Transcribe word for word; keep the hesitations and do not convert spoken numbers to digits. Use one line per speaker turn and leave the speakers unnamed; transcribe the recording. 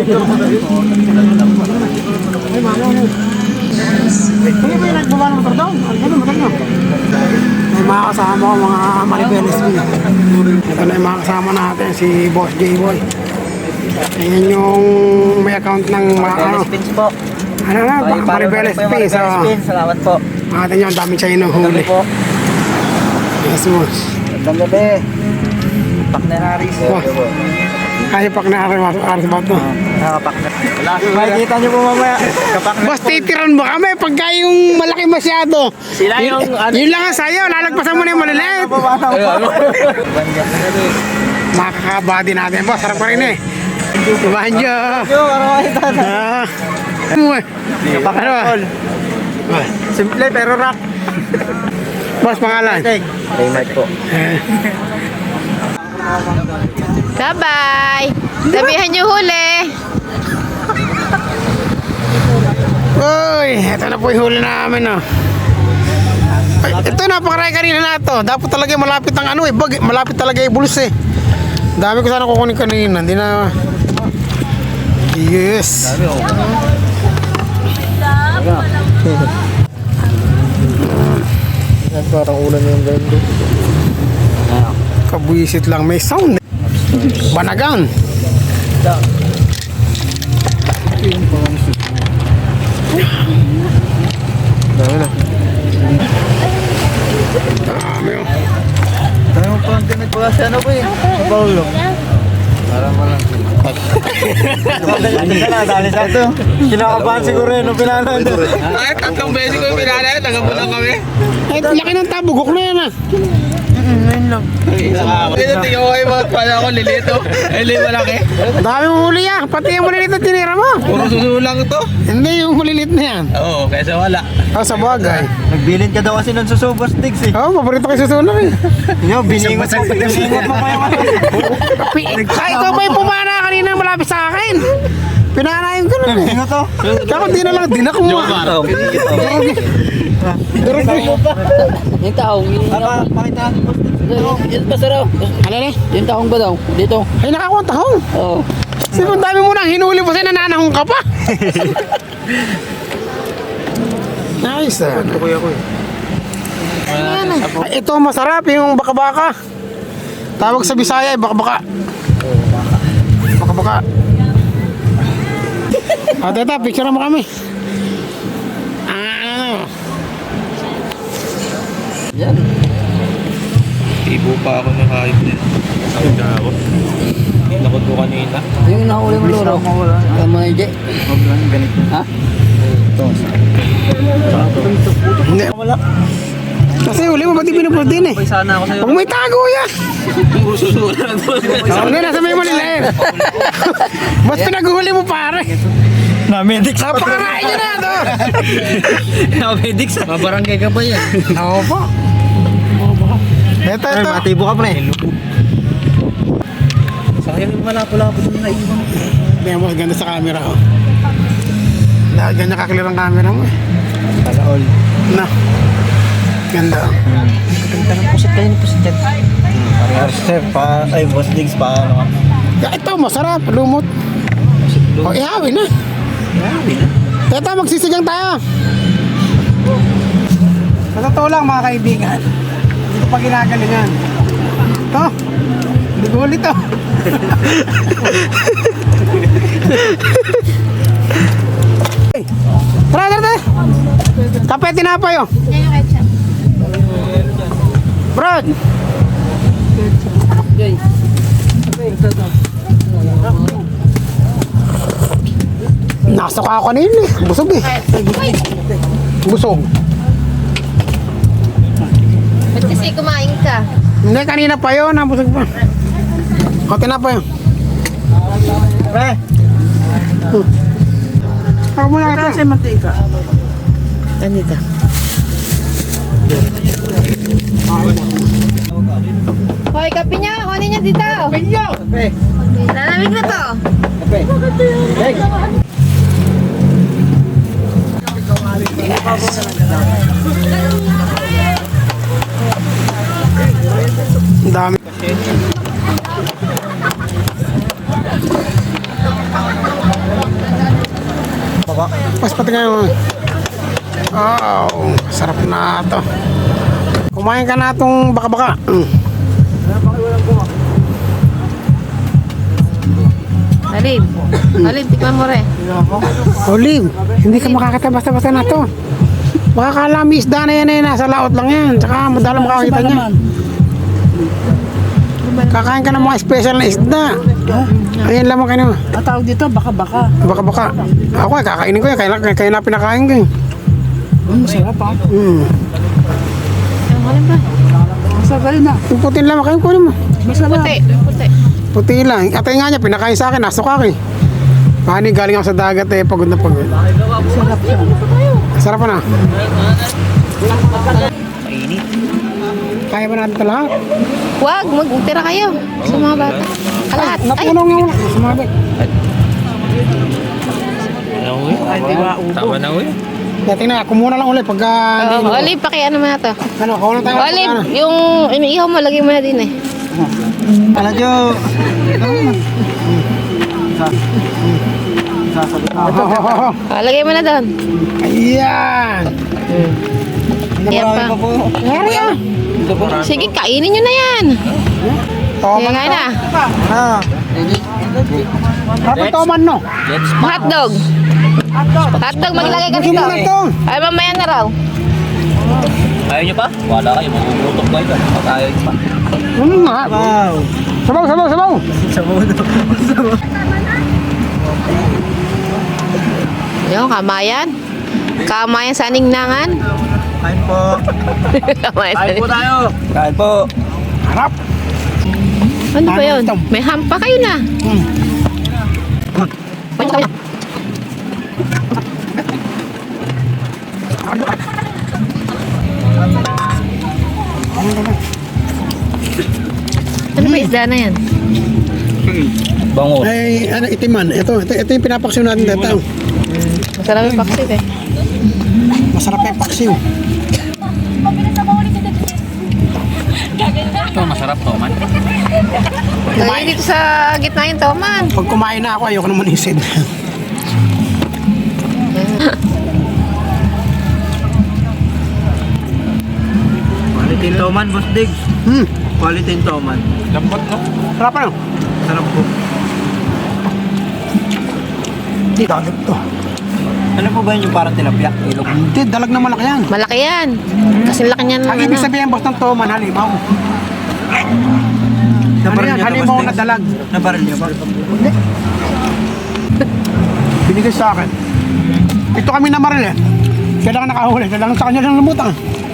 Hindi ba yung nagbaba ng motor daw? Ano, motor nyo? May mga kasama ko, mga Maribeles B. Ito na yung mga kasama natin, si Boss J-Boy. Ayan yung may account ng mga ano. Ano na, Maribeles B. So,
salamat po.
makita nyo, ang dami siya yung huli. Yes, boss.
Magandang gabi. Pak na Aris.
Kaya pak na aras ba ito?
Nakapak na. Makikita nyo po mamaya. Kapak na.
Boss, titiran mo kami pagka yung malaki masyado.
Sila yung...
Yun, yun lang ang sayo, lalagpasan mo na yung maliliit. Makakabody natin, boss. Sarap pa rin eh. Banjo. Ah.
Kapak na all. Simple pero rock.
Boss, pangalan?
Raymart po.
Bye-bye! Sabihan niyo huli!
Uy, ito na po yung huli namin, oh. Ay, ito, napakarami kanina na ito. Dapat talaga malapit ang ano eh, bag, malapit talaga yung bulls eh. Dami ko sana kukunin kanina, hindi na... Yes!
Parang ulan yung ganda.
Kabuisit lang, may sound eh. Banagan!
Dami na.
Dami oh.
Dami mo pa ang tinagpaka sa ano po eh. Sa Paulo. Parang walang. Dali sa ito. Kinakabahan siguro yun nung pinanan.
Ay, tatlong beses ko yung pinanay, tagabunan kami.
Ay, laki ng tabugok na yan ah.
Ngayon lang.
Ito, tingnan ko kayo mga pala ako, lilito. Ay, li, malaki.
Dami mong huli ah, pati yung malilit na tinira mo.
Puro susulang to.
Hindi, yung malilit na yan.
Oo, kaysa wala.
Ah, sa bagay.
Nagbilin ka daw kasi ng susubos digs eh.
Oo, oh, paborito ko yung susunan eh.
Yo, biningot mo. Biningot mo pa yung ano.
Ay, ikaw ba yung pumana kanina malapit sa akin? Pinanayin ko lang eh.
Biningot to.
Tapos di na lang, di na kumuha. Durog mo pa.
Yung taong, yung
Para pakita mo.
yung basta raw.
Ano eh?
Yung taong ba daw? Dito.
Ay, nakakuha tahong.
Oo.
Sige, ang dami mo nang hinuli mo sa'yo, nananahong ka pa. Nice ah.
Ito kuya ko eh.
Ay, ito masarap yung baka-baka. Tawag sa Bisaya, eh, baka-baka. Baka-baka. Ah, teta, picture mo kami. Ah,
Yan.
Ibo pa ako ng hayop din. Sakit na ako. Lakot ko kanina.
Yung nahuli mo luro. Tama na J.
Ganito.
Ha?
hindi. Kasi uli mo, ba't di pinupulot din eh?
Sana ako sa'yo.
Huwag may tago yan.
Puro susulang to.
Oh, hindi, nasa may malilain. Ba't pinaguhuli mo pare?
Na-medics.
Napakarain nyo na ito.
Na-medics.
Mabarangay ka ba yan?
Oo po. Ito,
Ay,
ito.
matibo ka pre.
Sayang yung malapo-lapo na naiwan.
Tingnan mo, ganda sa camera oh. Dahil ganyan kaklear ang camera mo eh.
Sana all.
Na. Ganda oh.
Ganda ng pusit kayo ng pusit dyan. Parehas sir, pa, ay boss digs pa ano ka.
Ya, ito, masarap. Lumot. O, ihawi na.
Grabe na.
Ito, magsisigang tayo. Sa totoo lang mga kaibigan, hindi ko pa ginagalingan. Ito, hindi ko ulit ito. Tara, tara, tara. Kape, tinapay oh. Brad. Nasok ako kanina eh. Busog eh. Busog.
Ba't kasi kumain ka?
Hindi, kanina pa yun. Busog pa. Konti na pa yun.
Pre,
Ako muna ka.
kasi mantika.
Anita.
Hoy, kape niya! Kunin niya dito!
Pre,
Lalamig na to!
pre. Hey.
Ang dami.
po.
Mas pati ngayon. Oh, sarap na to. Kumain ka na itong baka-baka. Mm.
Alin. Alin, tikman mo rin.
Olive, hindi ka makakita basta-basta na to. Baka kala may isda na yan eh, nasa laot lang yan. Tsaka madala makakita niya. Kakain ka ng mga special na isda. Ayan lamang kayo.
Ang tawag dito, baka-baka.
Baka-baka. Ako eh, kakainin ko yan. Kaya, kaya, kaya na pinakain ko eh.
Hmm, sarap ah.
Mm.
Ang alin ba?
Masarap rin na.
Yung puti lang, kain ko mo.
Masarap.
Puti, puti.
Puti lang. Atay nga niya, pinakain sa akin. Nasok ako eh. Pani, galing ako sa dagat eh. Pagod na pagod.
Masarap siya.
Sarap pa na.
Mainit.
Kaya ba natin ito lahat?
Huwag, magtira kayo sa mga bata. Kalat. Ay,
Napulong nga wala. Sumabit.
Ano uwi? Tama na uwi.
Dati na, kumuna lang ulit pagka... hindi-
oh, Olive, pakiano mo na to.
Ano, kawalan tayo.
Olive, yung iniihaw mo, lagay mo na din eh.
Ano, Jo?
Oh, lagay mo na doon.
Ayan.
Yan pa.
Pa po.
Ngari ah.
Sige, kainin nyo na yan. Sige, kain na.
Ah.
Dapat toman no.
Hotdog. Hotdog, maglagay ka
Gusto
dito.
mo na ito.
Ay, mamaya na raw.
Ayaw nyo pa? Wala kayo, magugutok kayo dyan. Patayo nyo pa.
Ano nga?
Wow.
Sabaw, sabaw, sabaw.
Sabaw na. Sabaw.
Yung kamayan. Kamayan sa ningnangan.
Kain po.
Kamayan sa
Kain po tayo. Kain po.
Harap.
Ano ba yun? May hampa kayo na.
Hmm.
Pwede kayo. Ano ba isda na yan?
Bango.
Ay, ano, itiman. Ito, ito, ito yung pinapaksiw natin dito.
Masarap yung paksit eh.
Masarap yung paksiw.
Ito, masarap to, man.
Lagay dito sa gitna yung toman.
Pag kumain na ako, ayoko naman isid.
Quality toman, Boss Diggs.
Hmm.
Quality toman.
Lambot, no?
Sarap ano?
Sarap po.
Hindi, dalag to.
Ano po ba yun yung parang tilapia? Ilog.
Hindi, dalag na malaki yan.
Malaki yan. Kasi laki niyan.
Ang ibig sabihin, boss ng toman, halimaw. Ano
Nabaril
yan?
niyo to,
Halimaw
Boss
na
Diggs?
dalag.
Nabaril niyo ba?
Binigay sa akin. Ito kami na maril eh. Kailangan nakahuli. Kailangan sa kanya lang lumutang.